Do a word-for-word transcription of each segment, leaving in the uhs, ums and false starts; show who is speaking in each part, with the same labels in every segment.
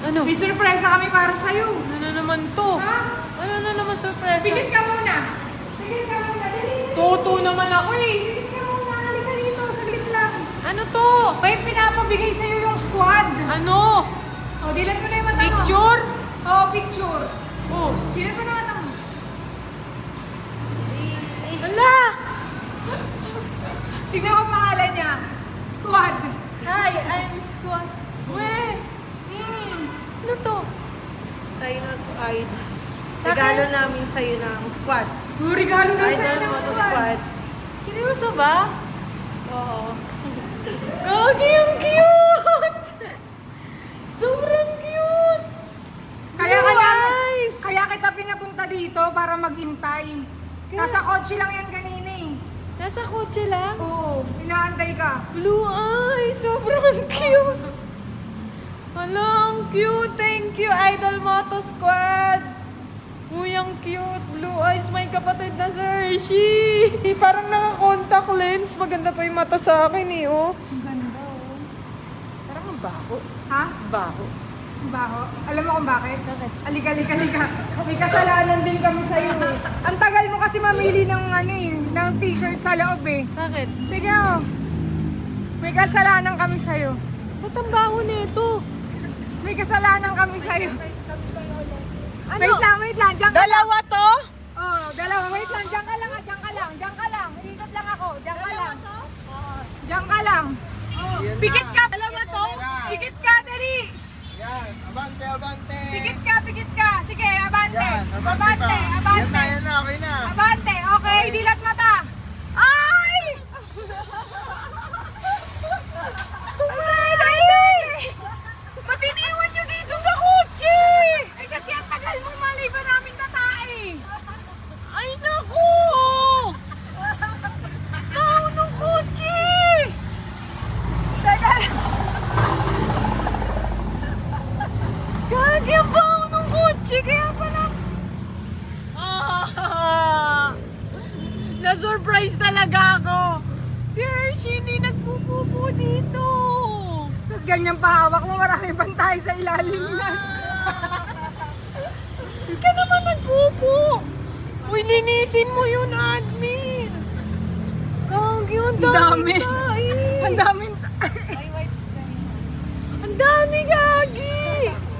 Speaker 1: Ano?
Speaker 2: May surpresa kami para sa'yo.
Speaker 1: Ano na naman to?
Speaker 2: Ha?
Speaker 1: Ano na naman surprise?
Speaker 2: Pigit ka muna. Pigit ka muna. Dali.
Speaker 1: Toto naman ako eh.
Speaker 2: Pigit ka muna. Halika dito. Saglit lang.
Speaker 1: Ano to?
Speaker 2: May pinapabigay sa'yo yung squad.
Speaker 1: Ano?
Speaker 2: O, dilat mo na yung mata mo.
Speaker 1: Picture?
Speaker 2: Oo, picture.
Speaker 1: Oh.
Speaker 2: Dilat mo na yung mata mo.
Speaker 1: Hala!
Speaker 2: Tignan mo ang pangalan niya. Squad.
Speaker 1: Hi, I'm Squad. Weh!
Speaker 2: Hmm.
Speaker 1: Ano to?
Speaker 3: Sa'yo na to, Idol.
Speaker 1: Sa
Speaker 3: Regalo
Speaker 1: akin?
Speaker 3: namin sa'yo ng squad.
Speaker 2: Oh, regalo na
Speaker 3: Idol
Speaker 2: sa'yo ng
Speaker 3: Moto Squad.
Speaker 1: Seryoso ba?
Speaker 3: Oo.
Speaker 1: Gagi, ang cute! Sobrang cute!
Speaker 2: Kaya
Speaker 1: Blue
Speaker 2: kaya,
Speaker 1: eyes!
Speaker 2: kaya kita pinapunta dito para maghintay. Nasa kotse lang yan kanina eh.
Speaker 1: Nasa kotse lang?
Speaker 2: Oo, inaantay ka.
Speaker 1: Blue eyes! Sobrang cute! Hala, ang cute! Thank you, Idol Moto Squad! Uy, ang cute! Blue eyes, may kapatid na si Hershey! Parang naka-contact lens. Maganda pa yung mata sa akin eh, oh.
Speaker 2: Ang ganda oh.
Speaker 1: Parang ang baho.
Speaker 2: Ha?
Speaker 1: Baho.
Speaker 2: Ang baho. Alam mo kung bakit?
Speaker 1: Bakit?
Speaker 2: Alika, alika, alika. May kasalanan din kami sa'yo eh. Ang tagal mo kasi mamili ng ano eh, ng t-shirt sa loob eh.
Speaker 1: Bakit?
Speaker 2: Sige oh. May kasalanan kami sa'yo.
Speaker 1: Ba't ang baho nito?
Speaker 2: May kasalanan kami sa'yo.
Speaker 1: Ano?
Speaker 2: Wait lang, wait lang. Diyan ka lang.
Speaker 1: Dalawa to?
Speaker 2: Oh, dalawa. Wait lang. Diyan ka lang ha. Diyan ka lang. Diyan ka lang. Ikot lang ako. Diyan ka lang. Diyan ka lang. Oh. Pikit ka. Dalawa to? Pikit ka, dali.
Speaker 4: Yan, abante, abante.
Speaker 2: Pikit ka, pikit ka. Sige, abante.
Speaker 4: Yan, abante,
Speaker 2: Abante,
Speaker 4: pa. Yan na,
Speaker 2: abante.
Speaker 4: yan na, okay na.
Speaker 2: Abante. Okay, dilat mata. Ay! Tumalay! Ba't iniwan nyo dito sa kotse? Ay kasi ang tagal mo, malay ba namin natae?
Speaker 1: Ay, naku!
Speaker 2: Tao ng kotse! Teka lang.
Speaker 1: Gagi, ang baho ng kotse. Kaya pala... Ah! Na-surprise talaga ako. Si Hershey hindi nagpupupo dito.
Speaker 2: Tapos ganyan pahawak mo, marami pang tayo sa ilalim na.
Speaker 1: Hindi ka naman nagpupo. Uy, linisin mo yun, admin. Gagi, ang
Speaker 2: Ang dami.
Speaker 1: dami tayo.
Speaker 2: Ang daming ta-
Speaker 1: Ang dami, Gagi.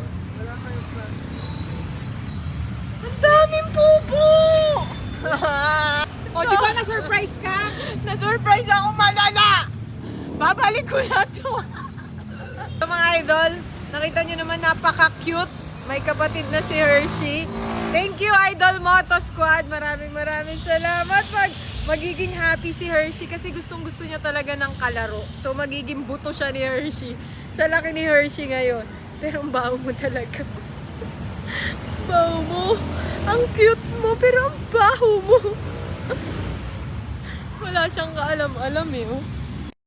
Speaker 1: Ang daming pupo.
Speaker 2: O, di ba na-surprise ka?
Speaker 1: Na-surprise ako malala! Babalik ko na to! So mga idol, nakita nyo naman napaka-cute. May kapatid na si Hershey. Thank you, Idol Moto Squad. Maraming maraming salamat. Pag magiging happy si Hershey kasi gustong gusto niya talaga ng kalaro. So magiging buto siya ni Hershey. Sa laki ni Hershey ngayon. Pero ang baho mo talaga. Baho mo. Ang cute mo, pero ang baho mo. Wala siyang kaalam-alam eh. Oh.